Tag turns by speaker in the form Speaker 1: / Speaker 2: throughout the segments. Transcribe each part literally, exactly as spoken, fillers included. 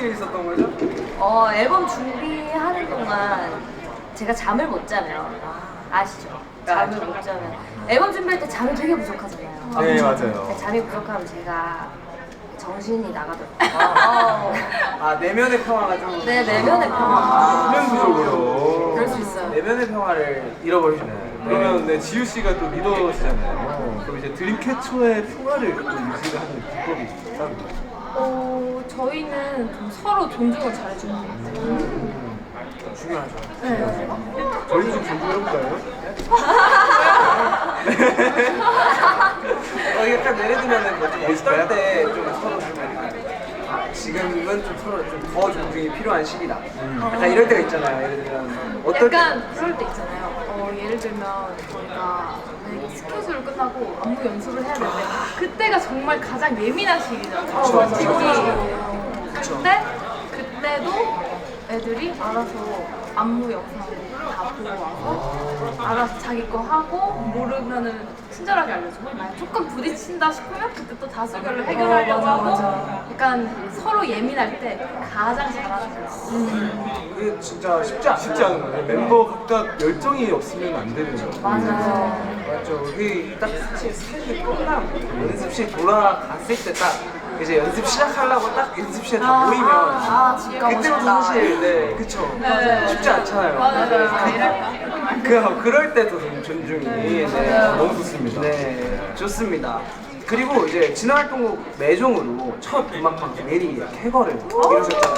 Speaker 1: 일 있었던 거죠?
Speaker 2: 어, 앨범 준비하는 동안 제가 잠을 못 자면 아시죠? 잠을 못 자면 앨범 준비할 때 잠이 되게 부족하잖아요.
Speaker 3: 네, 맞아요.
Speaker 2: 잠이 부족하면 제가 정신이 나가더라고요.
Speaker 1: 아, 아 내면의 평화가 좀.
Speaker 2: 네, 내면의 평화.
Speaker 1: 아,
Speaker 3: 수면 부족으로.
Speaker 2: 그럴 수 있어요.
Speaker 1: 내면의 평화를 잃어버리시네.
Speaker 3: 그러면 네, 지우 씨가 또 리더시잖아요. 그럼 이제 드림캐쳐의 평화를 또 유지를 하는 비법이 따로 있나요?
Speaker 4: 어, 저희는 좀 서로 존중을 잘해주는 것 같아요.
Speaker 1: 중요하죠.
Speaker 4: 네.
Speaker 3: 저희 좀 존중해볼까요?
Speaker 1: 어, 약간 예를 들면은 뭐좀 어떨 때 좀 서로 좀 아, 지금은 좀 서로 좀 더 존중이 필요한 시기다. 약간 이럴 때가 있잖아요. 예를 들면 어떨 때.
Speaker 4: 약간 그럴 때 있잖아요. 어, 예를 들면 저희가 만약에 스케줄 끝나고 안무 연습을 해야 되는데 그때가 정말 가장 예민한 시기잖아요.
Speaker 1: 그쵸, 그쵸,
Speaker 4: 특히.
Speaker 1: 그쵸.
Speaker 4: 그때 그때도 애들이 알아서 안무 영상을 다 보고 와서 알아서 자기 거 하고 모르면은 친절하게 알려주고 만약 조금 부딪힌다 싶으면 그때 또 다수결로 해결하려고 하고 약간 서로 예민할 때 가장 잘하는 것 같아요.
Speaker 1: 그게 진짜 쉽지 않아요.
Speaker 3: 쉽지 않은 거예요. 멤버 각각 열정이 없으면 안 되는 거죠.
Speaker 2: 맞아요.
Speaker 1: 맞죠. 그게 딱 스케줄 스케줄이 끝나고 연습실 돌아갔을 때 딱 이제 연습 시작하려고 딱 연습실에 다
Speaker 2: 아,
Speaker 1: 모이면
Speaker 2: 아, 집 가고
Speaker 1: 그때부터
Speaker 2: 싶다.
Speaker 1: 사실 네 그쵸
Speaker 4: 맞아요.
Speaker 1: 쉽지 않잖아요.
Speaker 4: 맞아요.
Speaker 1: 그 그럴 때도 좀 존중이 네.
Speaker 3: 너무 좋습니다.
Speaker 1: 네 좋습니다. 그리고 이제 진화 활동곡 매종으로 첫 음악 방송 일 위 쾌거를 이루셨잖아요.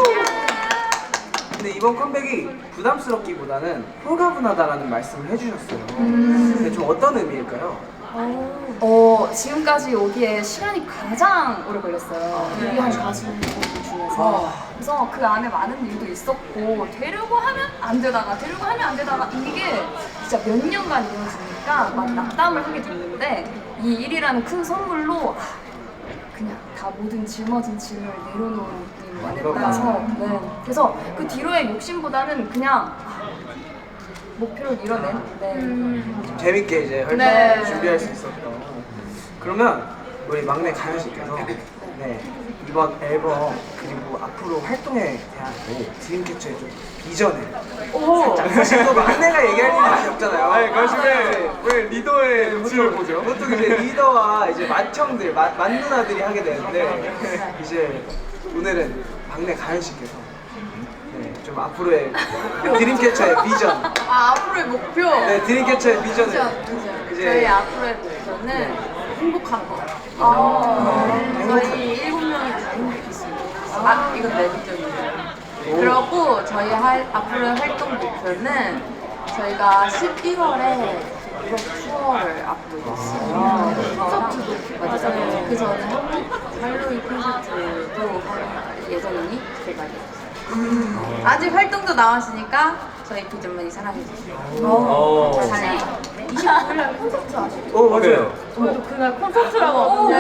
Speaker 1: 근데 이번 컴백이 부담스럽기보다는 홀가분하다라는 말씀을 해주셨어요. 근데 좀 어떤 의미일까요?
Speaker 2: 어, 지금까지 오기에 시간이 가장 오래 걸렸어요. 데뷔한 가수 중에서. 그래서 그 안에 많은 일도 있었고, 되려고 하면 안 되다가, 되려고 하면 안 되다가, 이게 진짜 몇 년간 이어지니까 막 낙담을 하게 됐는데, 이 일이라는 큰 선물로 아, 그냥 다 모든 짊어진 짐을 내려놓은 느낌이 받아서, 네. 그래서 그 뒤로의 욕심보다는 그냥 아, 목표를 이뤄낸, 네.
Speaker 1: 좀 재밌게 이제 활동
Speaker 2: 네.
Speaker 1: 준비할 수 있었던. 그러면 우리 막내 가연 씨께서 네 이번 앨범 그리고 앞으로 활동에 대한 드림캐쳐의 좀 비전을 살짝 사실 또 막내가 얘기할 일이 많이 없잖아요.
Speaker 3: 아니, 가시 왜, 왜 리더의 눈치를 보죠?
Speaker 1: 보통 이제 리더와 이제 맏형들, 맏, 맏누나들이 하게 되는데 이제 오늘은 막내 가연 씨께서 네, 좀 앞으로의 드림캐쳐의 비전,
Speaker 4: 아, 앞으로의 목표.
Speaker 1: 네 드림캐쳐의 비전을 이제
Speaker 2: 저희 앞으로의 목표는
Speaker 4: 행복한 거.
Speaker 2: 아,
Speaker 4: 저희 일곱 명이 다 행복했습니다. 아, 이건 내 비전이에요. 그리고 저희 할, 앞으로의 활동 목표는 저희가 십일월에 유럽 투어를 앞두고 있어요. 콘서트도 맞아요. 그 전에 한국 할로윈 콘서트도 할 예정이니 대박이에요. 아직 활동도 나왔으니까 저희 비전 많이 사랑해주세요.
Speaker 3: 어.
Speaker 4: 이십구 일날 콘서트 아시죠?
Speaker 1: 어 맞아요.
Speaker 4: 저희도 그날 콘서트라고 하는데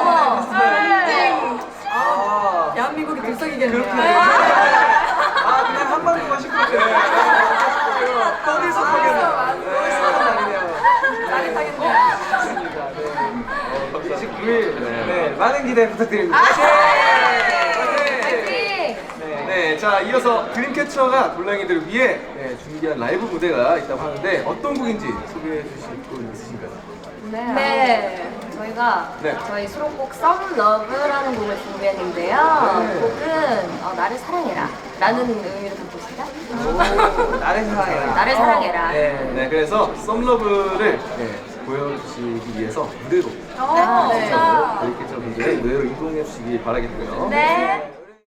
Speaker 4: 네.
Speaker 1: 아
Speaker 2: 대한민국이 들썩이겠네요.
Speaker 1: 아 그냥 한 방울만 씻고 떠들썩하겠네요. 짜릿하겠네요. 이십구 일 네 많은 기대 부탁드립니다.
Speaker 3: 네, 자 이어서 드림캐쳐가 돌랑이들을 위해 네, 준비한 라이브 무대가 있다고 하는데 어떤 곡인지 소개해 주실 분 있으신가요?
Speaker 2: 네.
Speaker 4: 네.
Speaker 2: 저희가
Speaker 3: 네.
Speaker 2: 저희 수록곡 Some Love라는 곡을 준비했는데요.
Speaker 3: 네.
Speaker 2: 곡은 어, 나를 사랑해라 라는 의미를 갖고 있습니다.
Speaker 1: 오, 나를 사랑해라.
Speaker 2: 나를 사랑해라.
Speaker 1: 네.
Speaker 3: 네, 그래서 썸러브를 네, 보여주시기 위해서 무대로
Speaker 2: 네.
Speaker 3: 드림캐쳐 분들의 무대로 이동해 주시기 바라겠고요.
Speaker 2: 네.